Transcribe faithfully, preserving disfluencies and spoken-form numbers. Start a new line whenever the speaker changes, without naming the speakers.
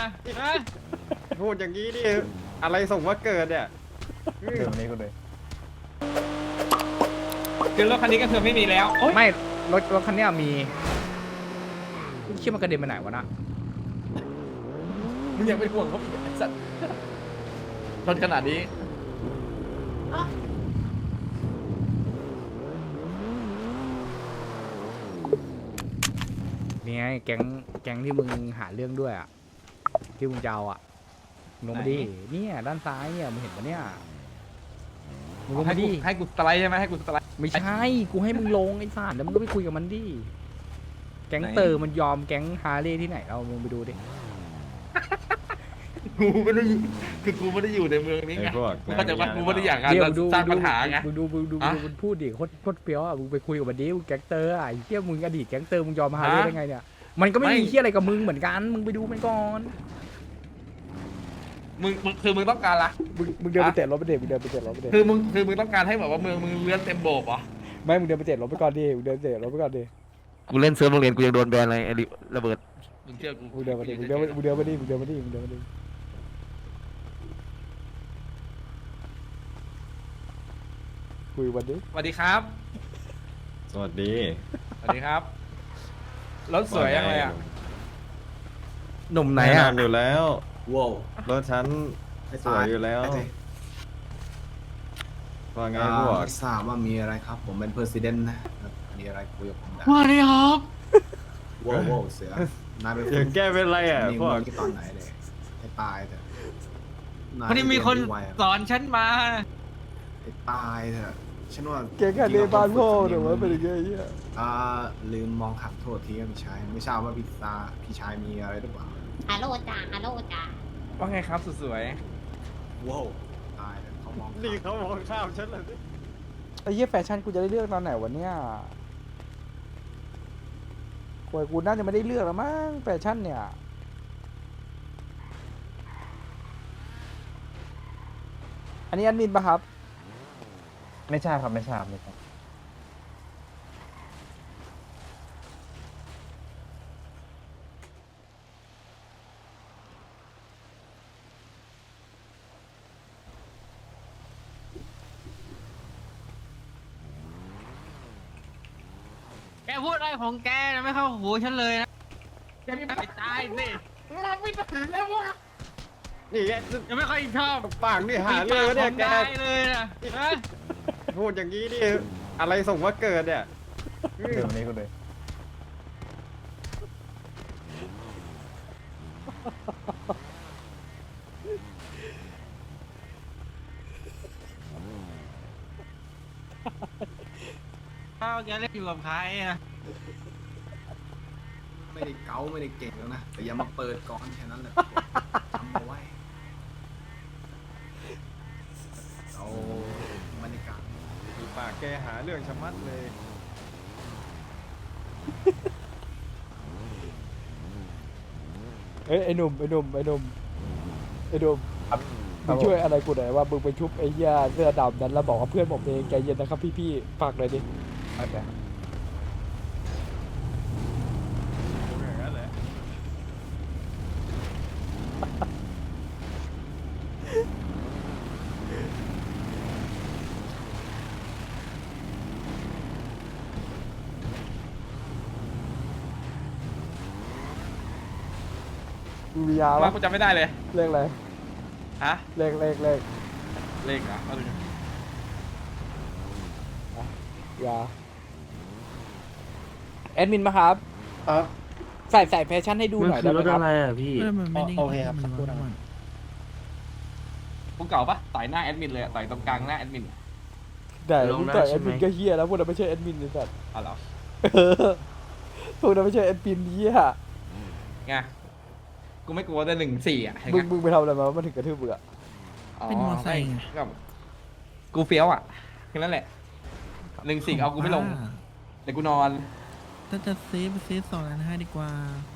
นะฮะ
พูดอย่างนี้ดิอะไรส่งว่าเกิดเนี่ย
เดี๋ยววันนี้กูเลย
คือรถคันนี้ก็คือไม่มีแล้วโอ๊ย
ไม่รถรถคันเนี้ยมีคิดมันกระเด็นไปไหนวะนะ
มึงยังเป็นห่วงเขาอีกไอ้สัตว์ชนขนาดนี้
นี่ไงแก๊งแก๊งที่มึงหาเรื่องด้วยอ่ะที่มึงจะเอาอ่ะลงมาดิเนี่ยด้านซ้ายเนี่ยมึงเห็นปะเนี่ยมึงลง
ให้
มา
กู
ดิ
ให้กูสไลด์ใช่ไหมให้กูสไลด์
ไม่ใช่กูให้มึงลงไอ้สารแล้วมึงก็ไปคุยกับมันดิแก๊งเตอร์มันยอมแก๊งฮาร์เลย์ที่ไหนเรามึงไปดูดิ
กูไม่ได้คือกูไม่ได้อยู่ในเมืองนี้ไง
ไอ้พวก
กูก็จะว่ากูไม่ได้อยากการ
เดี๋ยวดู
สร้างปัญหาไง
มึงดูมึงดู
อะ
มึงดูมันพูดดิโคตรโคตรเปรี้ยวอ่ะมึงไปคุยกับมันดิมึงแก๊งเตอร์อ่ะไอ้เหี้ยมึงอดีตแก๊งเตอร์มึงยอมฮาร์เลย์ได้ไงเนี่ยมันก็ไม่มีเหี้ยอะไรกับมึงเหมือนกันมึงไปดูมันก่อน
มึงมึงคือมึงต้องการละ
มึงมึงเดินไปเตะรถไปเด็มึงเดินไปเตะรถไปเด็
คือมึงคือมึงต้องการให้แบบว่าเมืองมึงเลื่อนเต็มโบกเหรอ
ไม่มึงเดินไปเตะรถไปก่อนดิมึงเดินเตะรถไปก่อนดิ
กูเล่นเซิร์ฟโรงเรียนกูยังโดนแบนเลยไอ้ระเบิด
มึงเชื่อกู
มึงเดินมาดิมึงเดินมามึงเดินมาดิมึงเดินมาดิมึงเดินมาดิคุยวันดิ
สวัสดีครับ
สวัสดี
สวัสดีครับรถสวยยังไงอ่ะ
หนุ่มไหน
แน่น
อ่ะ
อนอยู่แล้ว
ว้าว
รถฉันสวยอยู่แล้วว่าไงพวก
ไม่ทราบว่ามีอะไรครับ ผมเป็นเพอร์ซิเดนนะครับมีอะไรคุยกับผมได้
ว่าดีครับ
ว้าวว้าวเสือนายเป็น
อย่างแกเป็นไรอ่ะ
นี่
พวก
มึงตอนไหนเลยให้ตายเถอะาย
พอดีมีคน
เรียไวอะ
สอนฉันมา
ให้ตายเถอะฉันว่า
เก่งกันเรียนบ้านพ่อหรือว่าเป็นยังไงเงี้ย
อ่าลืมมองขับโทษทีครับพี่ชายไม่ทราบว่าพี่ตาพี่ชายมีอะไรหรือเปล่า
ฮัลโหลจ้าฮัลโหลจ้า
ว่าไงครับสุดสวย
ว้าวตายเถอะเขามอง
นี่เขามองข้ามฉันเลย
ไอ้เหี้ยแฟชั่นกูจะได้เลือกตอนไหนวะเนี่ยโวยกูน่าจะไม่ได้เลือกแล้วมั้งแฟชั่นเนี่ยอันนี้แอดมินปะครับ
ไม่ใช่ครับไม่ใช่ครับไม่ใช่
แกพูดอะไรของแกนะไม่เข้าหูฉันเลยนะแกไม่ไปตายสิ
นี่แก
ยังไม่ค่อยชอบ
ปากนี่หาเรื่องแล้วเนี่ยแก
ได้เลยนะฮะ
พูดอย่างนี้ดิอะไรส่งว่าเกิดเนี่ย
เดี๋ยววันนี้กูเลย
ข้าวแกเล่นอยู่กับใครอะ
ไม่ได้เก๋าไม่ได้เก่งแล้วนะแต่อย่ามาเปิดก่อนแค่นั้นแหละจำเอาไว้เอาบรรยากาศ
ดูปากแกหาเรื่องชะมัดเลย
เอ้ยไอ้หนุ่มไอ้หนุ่มไอ้หนุ่มไอ้หนุ่มมึงช่วยอะไรกูหน่อยว่ามึงไปชุบไอ้เหี้ยเสื้อดำนั้นแล้วบอกว่าเพื่อนผมเองใจเย็นนะครับพี่ๆฝากหน่อยดิโอเค
อย่างนั้นแหละ
มียา
ว่า
ปะ
กูจำไม่ได้เลย
เลขอะไร
ฮะ
เลขเลขเลข
เลขเหรอเอาดู
ยาแอดมินปะครับ
ครับ
ใส่ใส่แฟชั่นให้ดู
มัน
หน่อย
คื
ได้
อ
ไห
ร
ม
ถ
ครับ
อะไรอ่ะพี่
โอเคครับสักครู่นะครับกูเก่าปะต่อยหน้าแอดมินเลยอะต่อยตรงกลางหน้าแอดมินอะ
แต่
ลง
มึง
ได้
ต่อย
ใช่
แอด
ไหม
มินก็เฮียแล้วพวกนั้นไม่ใช่แอดมินเลยสัตว์
อ๋อเหรอ
เออพวกนั้นไม่ใช่แอดมินเฮีย
ไงกูไม่กลัวแต่หนึ่งสี่อ่ะเห็น
มึ
ไง
งมึงไปทำอะไรมาว่ามันถึงกระทืบมึงอะ
เป็นมอไซค์ก็กูเฟี้ยวอ่ะแค่นั้นแหละหนึ่งสี่เอากูไม่ลงเดี๋ยวกูนอน
ถ้าจะเซฟเซฟสองล้านห้าดีกว่า